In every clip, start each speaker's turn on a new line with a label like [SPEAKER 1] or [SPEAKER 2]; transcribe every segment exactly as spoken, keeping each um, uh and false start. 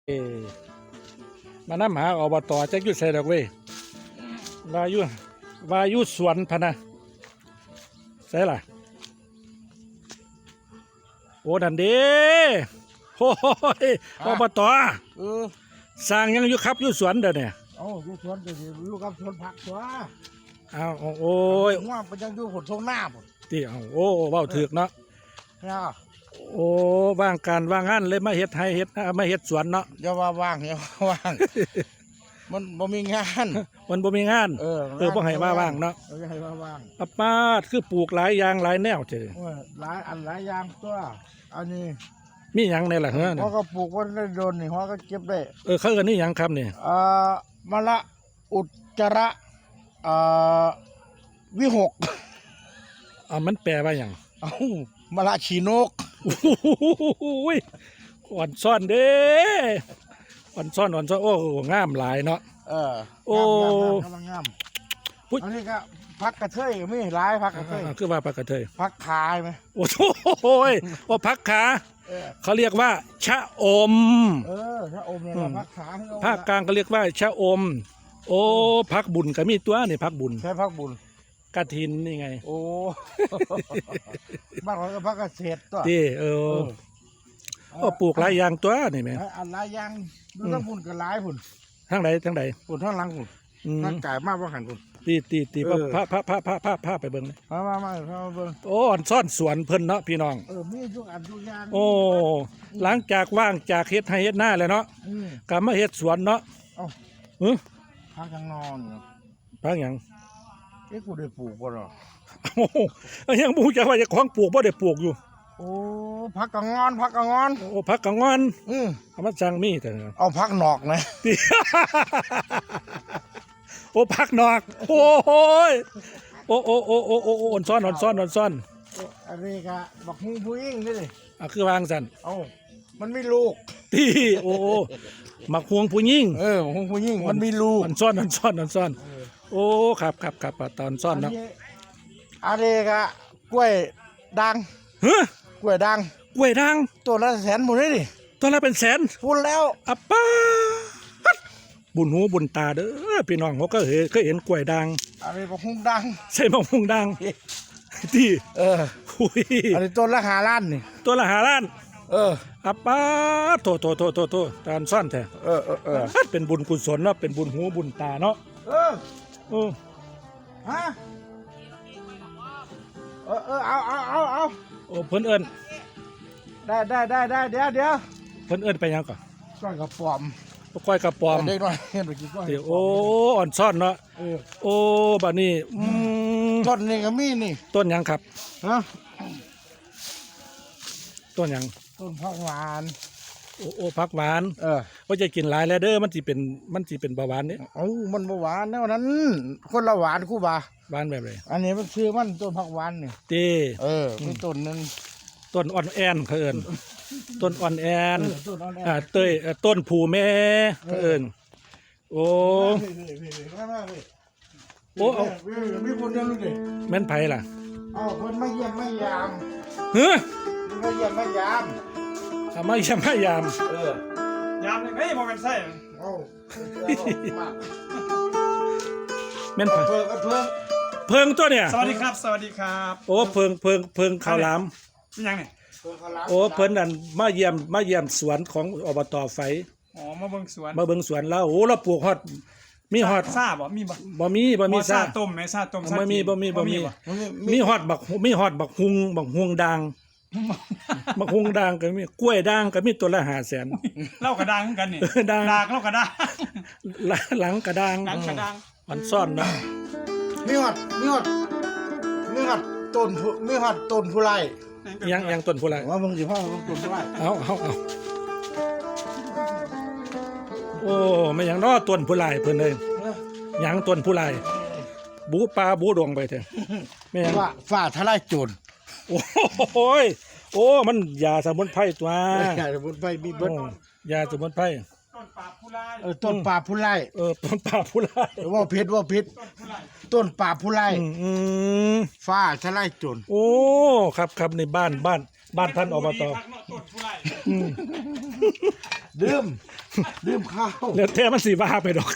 [SPEAKER 1] เอมานำหาอบตจักอยู่ไสดอกเว้ยว่าอยู่ว่าอยู่สวนพะนะไสล่ะโอ้ดันเด้โอ้ยอบต
[SPEAKER 2] เออ
[SPEAKER 1] สร้างยังอยู่ครับอยู่สวนเด้อเนี่ย
[SPEAKER 2] เอาอยู่สวนก็สิอยู่กับสวนผักตัว
[SPEAKER 1] อ้าวโอ้ย
[SPEAKER 2] ว่าไปยังอยู่หดทงหน้าพุ่น
[SPEAKER 1] ติเอาโอ้เว้าถูกเนาะ
[SPEAKER 2] นะ
[SPEAKER 1] โอ้ว่างการว่างงานเลยมาเฮ็ดให้เฮ็ดมาเฮ็ดสวนเนาะ
[SPEAKER 2] อย่าว่าว่างอย่าว่าว่าง มันบ่มีงาน
[SPEAKER 1] มันบ่มีงาน
[SPEAKER 2] เออ
[SPEAKER 1] เออบ่ให้ว่าว่างเนาะ
[SPEAKER 2] เออให้ว่าว่าง
[SPEAKER 1] อะปาดคือปลูกหลายอย่างหลายแนวเจ้
[SPEAKER 2] เออหลายอันหลายอย่างตัวอันนี้
[SPEAKER 1] มีหยังในล่ะเฮ้อ
[SPEAKER 2] เขาก็ปลูกไว้ได้โดนนี่เขาก็เก็บได้
[SPEAKER 1] เออเขาเอิ้นนี่หยังครับนี่
[SPEAKER 2] เอ่อมะละอุจจาระเอ่อวิหก
[SPEAKER 1] อ่ามันแปลว่าหยัง
[SPEAKER 2] เอ้ามะละฉีนก
[SPEAKER 1] โอ้ยอ่อนซ่อนเด้อ่อนซ่อนอ่อนซ่อนโอ้งามหลายเนาะ
[SPEAKER 2] เออ
[SPEAKER 1] โอ้
[SPEAKER 2] งามงามงามกำลังงาม
[SPEAKER 1] พุทธ
[SPEAKER 2] อันนี้ก็พักกระเทยก็มีหลายพักกระเทย
[SPEAKER 1] อ่าคือว่าปลากระเทย
[SPEAKER 2] พักขายไหม
[SPEAKER 1] โอ้โหยว่าพักขา
[SPEAKER 2] เออ
[SPEAKER 1] เขาเรียกว่า ชะอม
[SPEAKER 2] เออถ้าอมเนี่ยเราพักขาให้เอ
[SPEAKER 1] ภาคกลางก็เรียกว่า ชะอม โอ้พักบุญก็มีตัวนี่พักบุญ
[SPEAKER 2] ใช้พักบุญ
[SPEAKER 1] กฐินนี่ไง
[SPEAKER 2] โอ้ บ้านเราก็พักเกษตรตัว
[SPEAKER 1] ที่เออโอ้ปลูกหลายอย่างตัวนี่แหม
[SPEAKER 2] อันหลายอย่างดูทั้งบุญกับหลายบุญ
[SPEAKER 1] ทั้งใดทั้งใด
[SPEAKER 2] บุญทั้งหลังบุญ
[SPEAKER 1] อืม
[SPEAKER 2] ทั้งกายมากว่าหันบุญ
[SPEAKER 1] ตีตีตี
[SPEAKER 2] เออ
[SPEAKER 1] พระพระพระพระพระพระไปเบิ่งเลย
[SPEAKER 2] มามามามาเบิ่ง
[SPEAKER 1] โอ้อ่อนซ่อนสวนเพิ่นเนาะพี่น้อง
[SPEAKER 2] เออมีทุกอันทุกอย่าง
[SPEAKER 1] โอ้หลังจากว่างจากเฮ็ดให้เฮ็ดหน้าแล้วเนาะ
[SPEAKER 2] อืม
[SPEAKER 1] กลับมาเฮ็ดสวนเนาะ
[SPEAKER 2] เอ้า
[SPEAKER 1] เออ
[SPEAKER 2] พักกลางนอนเนาะ
[SPEAKER 1] พักหยัง
[SPEAKER 2] เอ๊ะกูได้ปลูกบ่หรอ
[SPEAKER 1] โอ้โหยังบ่ฮู้จักว่าเจะของปลูกบ่ได้ปลูกอยู่
[SPEAKER 2] โอ้พักกลางงอนพักกลางงอน
[SPEAKER 1] โอ้พักกะงอน
[SPEAKER 2] อืม
[SPEAKER 1] เอามาสั่งมีแต่
[SPEAKER 2] เอาพักนอกนะ
[SPEAKER 1] ติ โอ้พักนอกโอ้โหยโอ้โอ้โอ้โอ้โอ้โอ้อ่อนซ่อนอ่อนซ่อนอ่อนซ่อน
[SPEAKER 2] อันนี้ก็บักฮูผู้หญิงนี่ดิ
[SPEAKER 1] อ่ะคือวางสั่น
[SPEAKER 2] เอ้ามันมีลูก
[SPEAKER 1] ตีโอ้โอ้มักห่วงผู้หญิง
[SPEAKER 2] เออบักฮูผู้หญิงมันมีลูก
[SPEAKER 1] อ่อนซ่อนอ่อนซ่อนอ่อนซ่อนโอ้ครับครับครับตอนซ่อนเนาะ
[SPEAKER 2] อันนี้ก็กล้วยดัง
[SPEAKER 1] เฮ้ย
[SPEAKER 2] กล้วยดัง
[SPEAKER 1] กล้วยด่าง
[SPEAKER 2] ตัวละแสนหมดเลยดิ
[SPEAKER 1] ตัวละเป็นแสน
[SPEAKER 2] พูดแล้ว
[SPEAKER 1] อัปป้าดบุญหูบุญตาเด้อพี่น้องเขาก็เห็นเคยเห็นกล้วยด่าง
[SPEAKER 2] อันนี้บักฮุงดัง
[SPEAKER 1] ใส่มะม่วงด่างที่
[SPEAKER 2] เออ
[SPEAKER 1] อุ้ย
[SPEAKER 2] อันนี้ต้นละหาล้านนี่
[SPEAKER 1] ตัวละหาล้าน
[SPEAKER 2] เออ
[SPEAKER 1] อัปป้าดโตโตโตโตโตตอนซ่อนแท้
[SPEAKER 2] เออเออเออ
[SPEAKER 1] เป็นบุญกุศลเนาะเป็นบุญหูบุญตาเนาะ
[SPEAKER 2] เออ
[SPEAKER 1] โอ้
[SPEAKER 2] ฮะเออเออเอาเอาเอาเอา
[SPEAKER 1] โอ้เพิ่นเอิ้น
[SPEAKER 2] ได้ได้ได้ได้เดี๋ยวเดี๋ยว
[SPEAKER 1] เพิ่นเอิ้นไปหยังก่อน
[SPEAKER 2] ก้อยกระป๋อม
[SPEAKER 1] ก้อยกระป๋อม
[SPEAKER 2] เด็กน้อยเห็นไปกินก้อย
[SPEAKER 1] เดี๋ยวโอ้อ่อนซ่อนเนาะ
[SPEAKER 2] เออ
[SPEAKER 1] โอ้บัดนี้อืม
[SPEAKER 2] ต้นนี่ก็มีนี่
[SPEAKER 1] ต้นหยังครับ
[SPEAKER 2] ฮะ
[SPEAKER 1] ต้นหยัง
[SPEAKER 2] ต้นผักหวาน
[SPEAKER 1] โอ้โอ้ผักหวาน
[SPEAKER 2] เออ
[SPEAKER 1] ว่าจะกินหลายแล้วเด้อมันสิเป็นมันสิเป็นเบาหวานเด้
[SPEAKER 2] เอ้ามันบ่หวานแนวนั้น คนละหวานคู่บ่า
[SPEAKER 1] หวานแบบไหน
[SPEAKER 2] อันนี้มันชื่อมันต้นผักหวานนี่
[SPEAKER 1] ตี
[SPEAKER 2] เออมีต้นนึง
[SPEAKER 1] ต้นอ่อนแอนเขาเอิ้นต้นอ่อนแอน
[SPEAKER 2] เออต้นอ่อนแอ
[SPEAKER 1] อ่าเต้ยเอ่อต้นผูแม่เขาเอิ้นโอ้ โอ้เอา
[SPEAKER 2] มีคนเดียวเลยดิ
[SPEAKER 1] แม่นไผล่ะ
[SPEAKER 2] เอาคนมาเยี่ยมมายาม
[SPEAKER 1] เฮ้อ
[SPEAKER 2] มาเยี่ยมมายาม
[SPEAKER 1] เอามายามมายาม
[SPEAKER 2] เออย
[SPEAKER 3] ามยังไงบ่แม่นไส้
[SPEAKER 2] เอา
[SPEAKER 1] แม่นไผ
[SPEAKER 2] เพิ่งเพิ่ง
[SPEAKER 1] เพิงตัวเนี่ย
[SPEAKER 3] สวัสดีครับ สวัสดีครับ
[SPEAKER 1] โอ้เพิงเพิงเพิงข้าวหลาม
[SPEAKER 3] เป็นยังนี่
[SPEAKER 2] เพิ่งเขาล้าง
[SPEAKER 1] โอ้เพิ่นนั่นมาเยี่ยมมาเยี่ยมสวนของอบตไฟ
[SPEAKER 3] อ๋อมาเบิ่งสวน
[SPEAKER 1] มาเบิ่งสวนแล้วโอ้เราปลูกฮอดมีฮอด
[SPEAKER 3] ซาบ่มีบ่
[SPEAKER 1] บ่มีบ่มี
[SPEAKER 3] อ๋อ
[SPEAKER 1] ซ่า
[SPEAKER 3] ต้มไหมซาต้มซา
[SPEAKER 1] บ่มี
[SPEAKER 3] จีน
[SPEAKER 1] บ่มีบ่มี
[SPEAKER 3] บ่
[SPEAKER 1] มีฮอดบักมีฮอดบักฮุงบักฮุงด่างบักฮุงด่างก็มีกล้วยด่างก็มีตัวละห้าแสน
[SPEAKER 3] เล่ากระด้างคือกันนี่
[SPEAKER 1] เออด่าง
[SPEAKER 3] ดากเล่ากระด้าง
[SPEAKER 1] หลังกระด่าง
[SPEAKER 3] หนังกระด้าง
[SPEAKER 1] มันซ่อนเนาะ
[SPEAKER 2] มีหอดมีหอดมีหอดต้นผู้มีหอดต้นผู้ไร่
[SPEAKER 1] ยังยังต้นผู้ไร
[SPEAKER 2] ว่ามึงสิพ่อมึงต้นผู้ไร่
[SPEAKER 1] เอาเอาเอาโอ้ไม่หยังน้อต้นผู้ไรเพิ่นเลยหยังต้นผู้ไรบูปลาบูดวงไปเถอะไม่หยัง
[SPEAKER 2] ว่าฝ่าทลายโจร
[SPEAKER 1] โอ้โหยโอ้มันยาสมุนไพรตัว
[SPEAKER 2] อยากจะบนไปมีเบิด
[SPEAKER 1] โอ้ยาสมุนไพร
[SPEAKER 3] ต้นปาบผู้ลาย
[SPEAKER 2] เออต้นป่าผู้ไร่
[SPEAKER 1] เออต้นป่าผู้ไร
[SPEAKER 2] ว่าพิษว่าพิษ
[SPEAKER 3] ต้นผู้ลาย
[SPEAKER 2] ต้นป่าผู้ไร่
[SPEAKER 1] อืมอืม
[SPEAKER 2] ฟ้าทลายโจร
[SPEAKER 1] โอ้ครับครับในบ้านบ้านบ้านท่านอบต
[SPEAKER 3] พักเนาะต้นผู้ไล่
[SPEAKER 2] ดื่มดื่มข้าว
[SPEAKER 1] แล้วแต่มันสิว่าไปดอก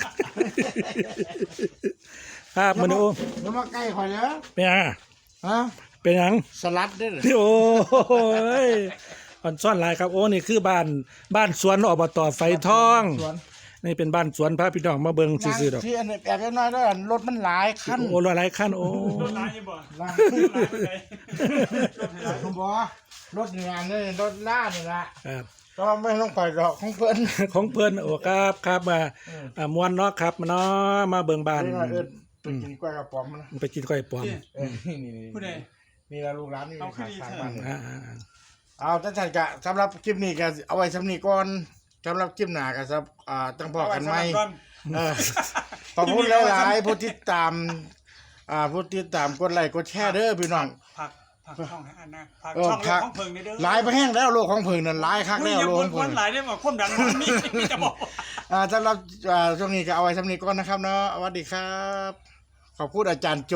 [SPEAKER 1] ครับมื้อนี้โอ้
[SPEAKER 2] แล้วมาใกล้ข่อยเด้อ
[SPEAKER 1] เป็นหยังอะ
[SPEAKER 2] ฮะ
[SPEAKER 1] เป็นหยัง
[SPEAKER 2] สลัดเด้อ
[SPEAKER 1] โอ้ยอ่อนซ่อนหลายครับโอ้นี่คือบ้านบ้านสวนอบตไฟทอง
[SPEAKER 2] สวน
[SPEAKER 1] นี่เป็นบ้านสวนพระพี่น้องมาเบิ่งซื่อๆดอก
[SPEAKER 2] ที่อันนี้แอบน้อยๆแล้วอันรถมันหลายคัน
[SPEAKER 1] โอ้หลายขั้นโอ้
[SPEAKER 3] ต้นร้ายยังบ่
[SPEAKER 2] หลาย
[SPEAKER 3] ต้นร้ายไปไหน
[SPEAKER 2] หลายผมบอกว่ารถงานนี่รถล่านี่ละ
[SPEAKER 1] ครับ
[SPEAKER 2] ก็ไม่ต้องไปหรอกของเพิ่น
[SPEAKER 1] ของเพิ่นโอ้ครับครับมาอ่ามวนเนาะครับมาเนาะมาเบิ่งบ้าน
[SPEAKER 2] นี่ว่าเอิ้นไปกินกล้วยกระป๋อมนะ
[SPEAKER 1] ไปกินก้อยปลอม
[SPEAKER 2] เออนี่นี่นี่
[SPEAKER 3] ผู้ใด
[SPEAKER 2] นี่ละลูกร้านนี่
[SPEAKER 3] เอาขึ้
[SPEAKER 2] ขาน ย
[SPEAKER 3] อี
[SPEAKER 2] ทาง
[SPEAKER 3] เถอะ
[SPEAKER 2] บ้านนี่
[SPEAKER 1] อ่า
[SPEAKER 2] เอาท่านจันกะสำหรับคลิปนี้ก็เอาไว้สำนี้ก่อนสำหรับคลิปหน้าก็สับอ่าตั้งพอกันไหม
[SPEAKER 3] เอาว้สำหรับก่อน
[SPEAKER 2] เออขอบคุณหลายๆผู้ติดตามอ่าผู้ติดตามกดไลค์กดแชร์เด้อพี่น้อง
[SPEAKER 3] ผักผักช่องให้อันนะผัก
[SPEAKER 2] เออ
[SPEAKER 3] ช่อง
[SPEAKER 2] ผัก
[SPEAKER 3] ของเพิงนี่เด้อ
[SPEAKER 2] หลายไปแห้งแล้วโลกของเพิงนั่นหลายคัก
[SPEAKER 3] ไม่
[SPEAKER 2] แล้ว
[SPEAKER 3] อย่า
[SPEAKER 2] โลก
[SPEAKER 3] บ่
[SPEAKER 2] ข
[SPEAKER 3] น
[SPEAKER 2] อง
[SPEAKER 3] ค
[SPEAKER 2] เพิ
[SPEAKER 3] น
[SPEAKER 2] ง
[SPEAKER 3] หลายได้บ่ความดันมันมีมีจะบอก
[SPEAKER 2] อ่าสำหรับอ่าช่วงนี้ก็เอาไว้สำนี้ก่อนนะครับเนาะสวัสดีครับ ขอบคุณอาจารย์โจ